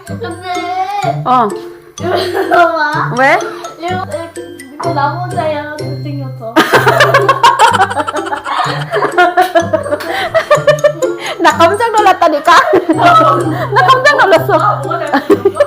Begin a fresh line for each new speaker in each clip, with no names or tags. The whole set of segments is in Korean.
근데
어.
이거 봐.
왜?
이거 나 혼자야 잘생겼어.
나 깜짝 놀랐다니까. 나 깜짝 놀랐어.
뭐가 잘생겼어?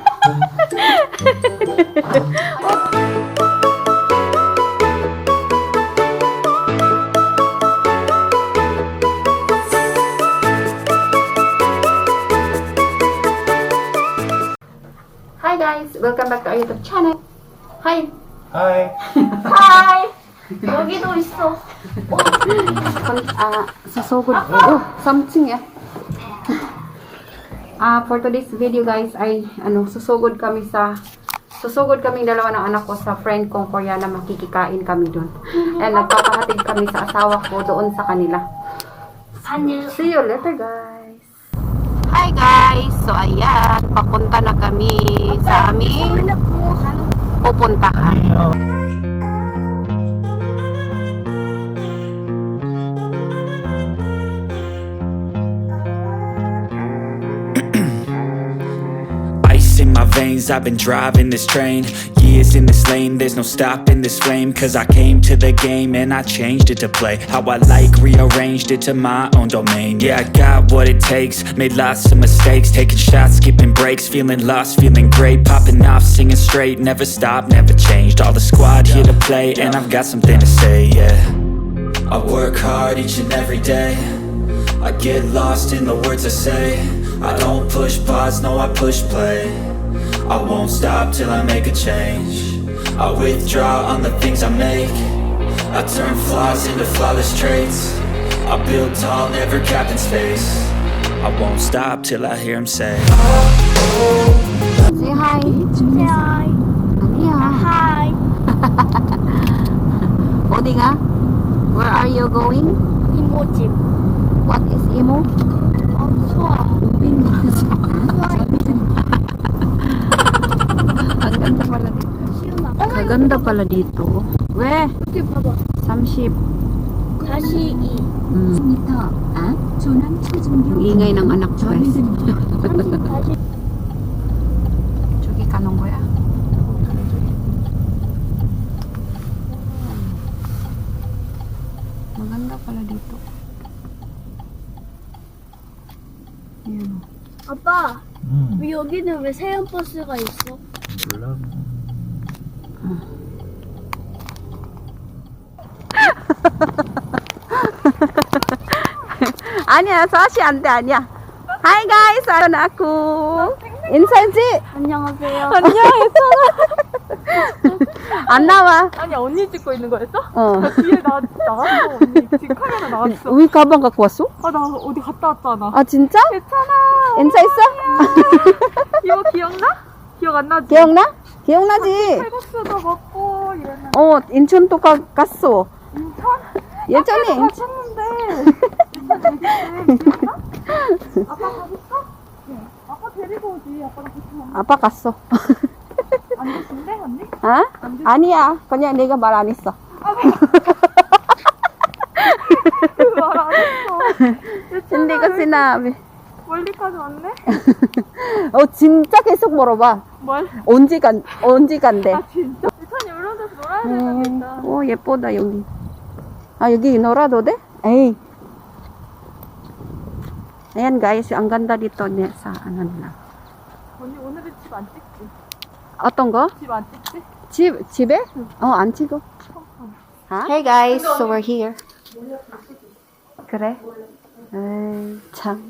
Hi guys, welcome back to our YouTube channel. Hi.
Hi.
하이. 여기도 있어.
Susugod. Something yeah. For today's video guys ay susugod kaming dalawa ng anak ko sa friend kong Koreana, makikikain kami doon. And nagpapahatid kami sa asawa ko doon sa kanila. See you later guys. Hi guys. So ayan, papunta na kami sa aming pupuntahan.
In my veins, I've been driving this train. Years in this lane, there's no stopping this flame. Cause I came to the game and I changed it to play how I like, rearranged it to my own domain. Yeah, I got what it takes, made lots of mistakes, taking shots, skipping breaks, feeling lost, feeling great, popping off, singing straight, never stopped, never changed. All the squad here to play and I've got something to say, yeah. I work hard each and every day, I get lost in the words I say. I don't push pause, no I push play. I won't stop till I make a change. I withdraw on the things I make. I turn flaws into flawless traits. I build tall, never capped in space. I won't stop till I hear him say
Say hi.
하이.
아니야.
하이.
어디가? Where are you going?
이모집.
What is emo?
수아.
Ang ganda pala dito. 왜?
이렇게 봐봐.
30.
42.
Ang ingay ng anak ko guys.
40.
저기 가는 거야? Maganda pala dito. Ayan.
아빠, 왜 여기는 왜 세연 버스가 있어?
몰라.
아니야, 사시 안 돼, 아니야. Hi guys, 아연 aku. 인사해지?
안녕하세요.
안녕, 안 나와.
아니 언니 찍고 있는 거였어?
어.
나 뒤에 나왔어 언니 지금 카메라 나왔어.
위 가방 갖고 왔어?
아 나 어디 갔다 왔잖아.
아 진짜?
괜찮아.
인사했어?
이거 기억나? 기억 안 나지?
기억나? 기억나지?
칼국수도 먹고 이랬는데.
인천도 갔어.
인천?
예전에 인천.
갔었는데. 기억나? 아빠 가겠어? 네. 아빠 데리고 오지. 아빠랑 같이 먹는.
아빠 갔어.
안 드신대 언니?
어? 아니야. 그냥 내가 말 안 했어.
말 안 했어.
근데 그 sinabi.
멀리까지 왔네?
진짜 계속 물어봐.
뭘?
언제 간대?
아 진짜? 유찬이 이런 데서 놀아야 되겠다.
예쁘다 여기. 여기 놀아도 돼? 에이. Ayan guys, ang ganda dito sa ano nila.
언니 오늘은 집 안 찍지?
어떤 거?
집 안 찍지?
집에? 안 찍어. Hey guys, so we're here. 그래? 에이, 참.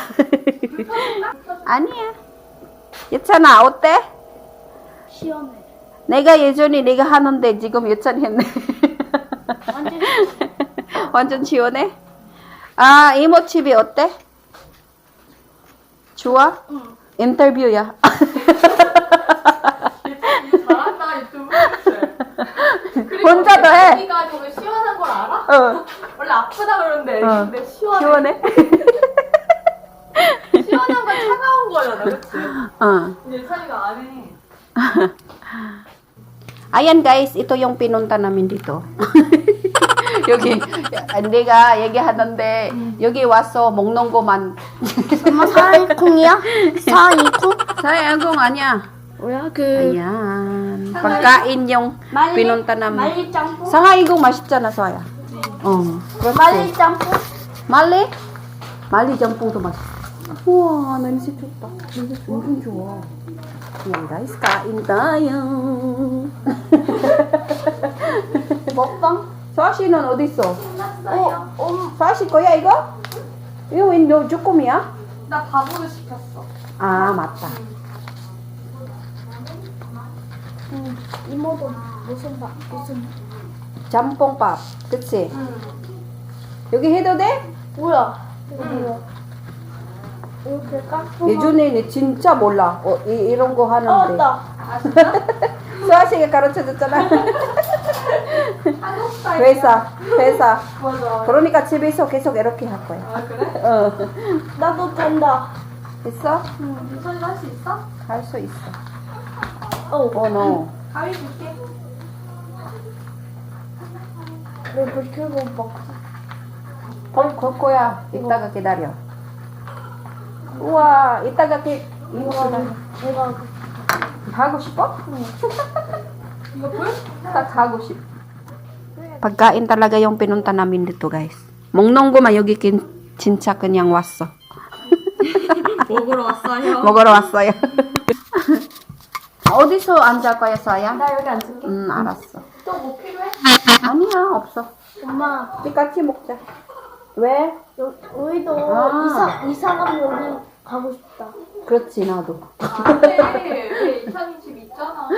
아니야. 예찬아, 어때?
시원해.
내가 예전에 내가 하는데 지금 예찬이 했네.
완전
완전 시원해? 이모집이 어때? 좋아?
응.
인터뷰야.
잘한다 유튜브.
혼자도 해.
언니가 저거 시원한 걸 알아?
어.
원래 아프다 그러는데 근데 시원해.
시원해?
시원한 건 차가운 거잖아, 그치? 근데 유찬이가 안 해.
Ayan guys, ito yung pinunta namin dito. 여기 내가 얘기하는데 여기 와서 먹는 거만
엄마 사이콩이야? 사이콩?
Agong, anya.
뭐야 그
Ayan. Pagkain yung pinunta namin.
말리 짬뽕?
상하이공 맛있잖아, 서야. 그렇지.
말리 짬뽕?
말리? 말리 짬뽕도 맛있어. 우와, 냄새 좋다. 냄새 완전 좋아. Yan guys, kain tayo.
먹방?
서아씨는 어디 있어? 서아씨 거야 이거? 이거 왜 너 조금이야?
나 밥으로 시켰어.
아 맞다.
이모도 무슨
짬뽕밥, 그치?
응.
여기 해도 돼?
뭐야? 이렇게 깍두기.
예전에는 진짜 몰라. 이런 거 하는데.
맞다.
아 진짜?
수아씨가 가르쳐줬잖아.
한국 스타일.
회사.
맞아.
그러니까 집에서 계속 이렇게 할 거야.
아 그래?
나도 된다.
됐어?
윤선이 할수 있어?
할 수 있어.
어.
가위 줄게.
불 켜고 먹.
걸 거야. 이따가 기다려. 우와, 이따가 이거
내가
하고 싶어?
이거 불?
딱 하고 싶어. Pagkain talaga yung pinunta namin dito, guys. 몽농고만 여기 진짜 그냥 왔어.
먹으러 왔어요.
먹으러 왔어요. 어디서 앉을 거야, 서야?
나 여기 앉을게.
알았어.
또 뭐 필요해?
아니야, 없어.
엄마
우리 같이 먹자. 왜?
우리도
아.
이사가면 여기 가고 싶다.
그렇지, 나도.
안돼. 왜 이사님 집 있잖아.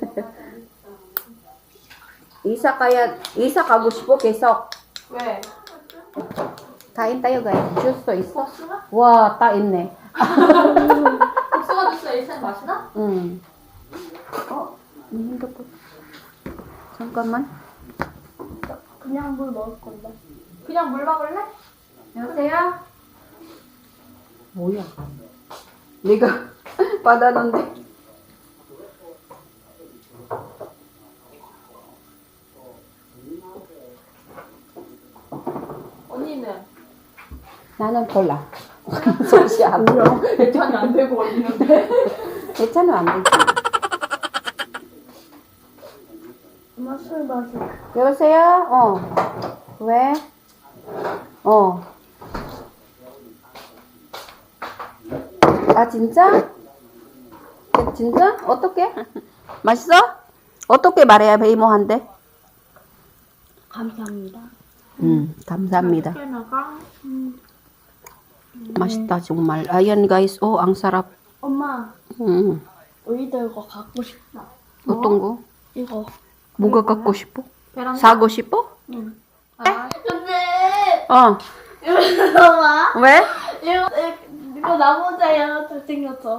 이사 가고 싶어, 계속.
왜?
kain tayo, guys. 주스 있어?
복숭아?
와, 딱 있네.
복숭아 주스 이사님 마시나?
응. 네 핸드폰. 잠깐만.
그냥 물 먹을 건데.
그냥 물 먹을래?
여보세요? 뭐야? 내가 받았는데.
언니는?
나는 콜라. 소시 안 돼.
대찬이 안 되고 언니는데?
괜찮으면 안 되지.
엄마 술 마셔.
여보세요? 왜? 아, 진짜? 진짜? 어떻게? 맛있어? 어떻게 말해야 베이모한테?
감사합니다.
감사합니다.
나가.
맛있다, 정말. Ayan, guys. ang sarap.
엄마,
음.
우리도 이거 갖고 싶다.
어떤 거?
이거.
뭐가 갖고 싶어?
베란다?
사고 싶어?
아,
근데 이거 봐.
왜?
이거 나 혼자 얘가 잘생겼어.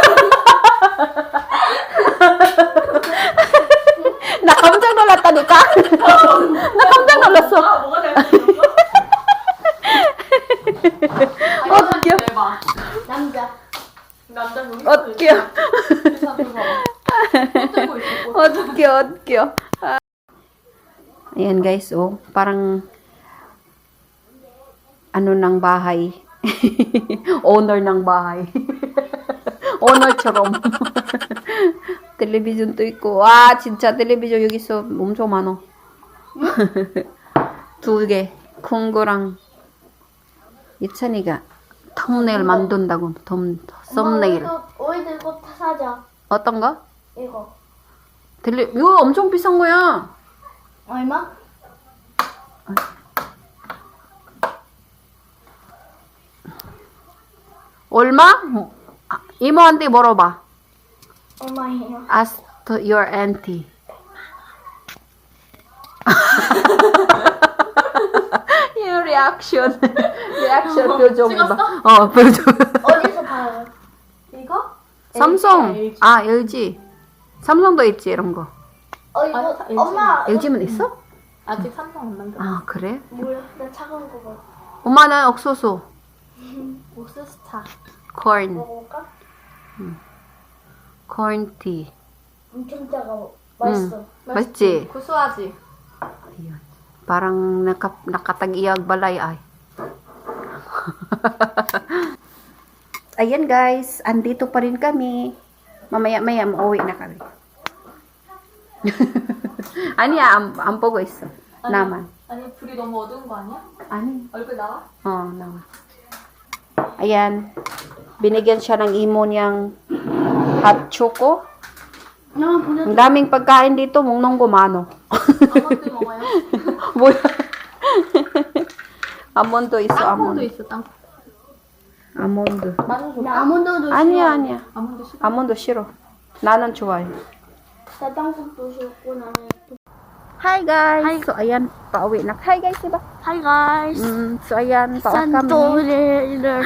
나 깜짝 놀랐다니까? 나 깜짝 놀랐어.
아, 뭐가 잘생겼어?
웃겨.
대박.
남자.
남자 여기
웃겨. 웃겨. Ayan guys, parang ano ng bahay. Owner ng bahay. Owner처럼. 텔레비전도 있고. 와, 진짜 텔레비전 여기 있어. 엄청 많어. 2개. 큰 거랑 예찬이가 thumbnail 만든다고. 썸네일.
우리도 이거 사자.
어떤 거?
이거.
이거 엄청 비싼 거야.
얼마?
얼마? 이모한테 물어봐.
얼마예요?
Ask to your auntie. yung reaction. 표정 봐. 표정.
어디서 봐요?
이거?
삼성.
LG.
아, LG. 삼성도 있지, 이런 거.
이거
LG.
엄마.
LG면 있어?
아직 삼성 안 만들었어.
아, 그래?
몰라. 나 차가운 거 먹어.
엄마는 옥수수.
옥수수차.
corn.
먹어볼까?
corn tea.
엄청 차가워. 맛있어.
맛있지?
구수하지?
Parang nakatag-iyag balay ay. ayan guys, andito pa rin kami. Mamaya-maya, mauwi na kami. 아니야, 안 보고 있어. 나만.
아니 불이 너무 어두운 거 아니야?
아니.
얼굴 나와?
Nawa. Ayan. Binigyan siya ng imo niyang hot choco.
나만 보내.
Ang daming pagkain dito, mong gumano.
아몬드 먹어요?
뭐야? 아몬드 있어,
땅콩도
아몬드.
있어 땅콩.
아몬드.
마늘 줄까?
나 아몬드도
아니야,
싫어.
아니야.
아몬드 싫어?
아몬드 싫어. 나는 좋아해.
나 땅콩도 싫고 나는.
Hi guys! So ayan, pauwi na. Hi guys, diba?
Hi guys.
So ayan, pauwi kami.
산토리를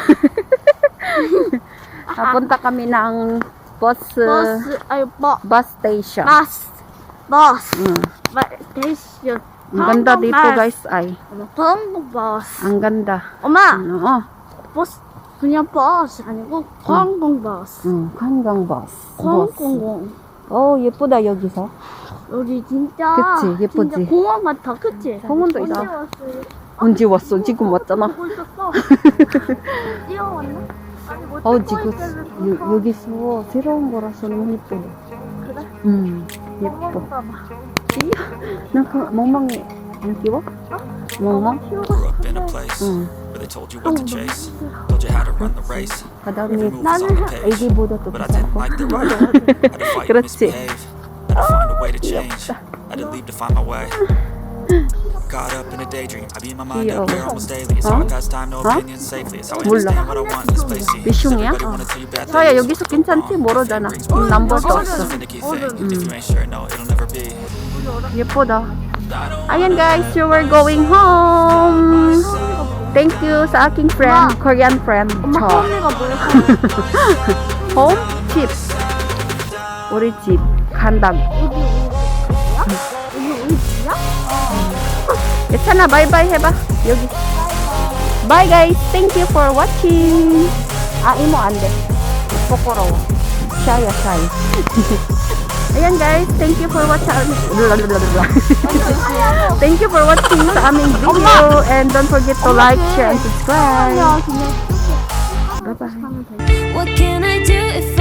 Napunta kami ng bus
버스
station.
버스
Mm.
스테이션.
Ang ganda dito guys ay.
한국 버스.
Ang ganda.
엄마
Oo.
버스 그냥 버스 아니고 관광 버스.
관광 버스.
관광.
예쁘다 여기서.
우리 진짜
그치, 예쁘지?
진짜 공원 같아, 그치?
공원도
언제
있어.
왔어요?
언제 왔어? 지금 왔잖아.
보고 있었어. 뛰어왔나? 아니 뭐
지금 여기서 새로운 거라서 너무 예뻐.
그래?
예뻐.
봐봐.
멍멍이 안 끼워? 멍멍?
Grew up in a place where they told you what to chase, told you how to run the race.
바닥이
Every move was on the page,
애기보다 더
but I didn't
비싸고.
like the way. Had to fight and
그렇지.
misbehave. Had to find a way to change. Had to leave to find my way. Caught up in a daydream. I beat my mind up there almost daily. It's how I pass time, no opinions safely. It's how I
몰라.
understand what I want in this place. See,
미숑이야?
everybody wanna tell you bad
서야
things.
여기서 괜찮지? 모르잖아. 넘버도 없어.
If you ain't sure, no, it'll never be.
예쁘다. Ayan guys, so we're going home. Thank you sa aking friend, Korean friend.
엄마
저.
홈이가 뭐야?
Home? 집. 우리 집. 간다고.
우리 집이야?
괜찮아, 바이바이 해봐. 여기. Bye guys. Thank you for watching. 이모 안 돼. 부끄러워. Shy. Ayan guys, thank you for watching. Thank you for watching sa aming video. And don't forget to like, share, and subscribe. Bye-bye.
What can I do if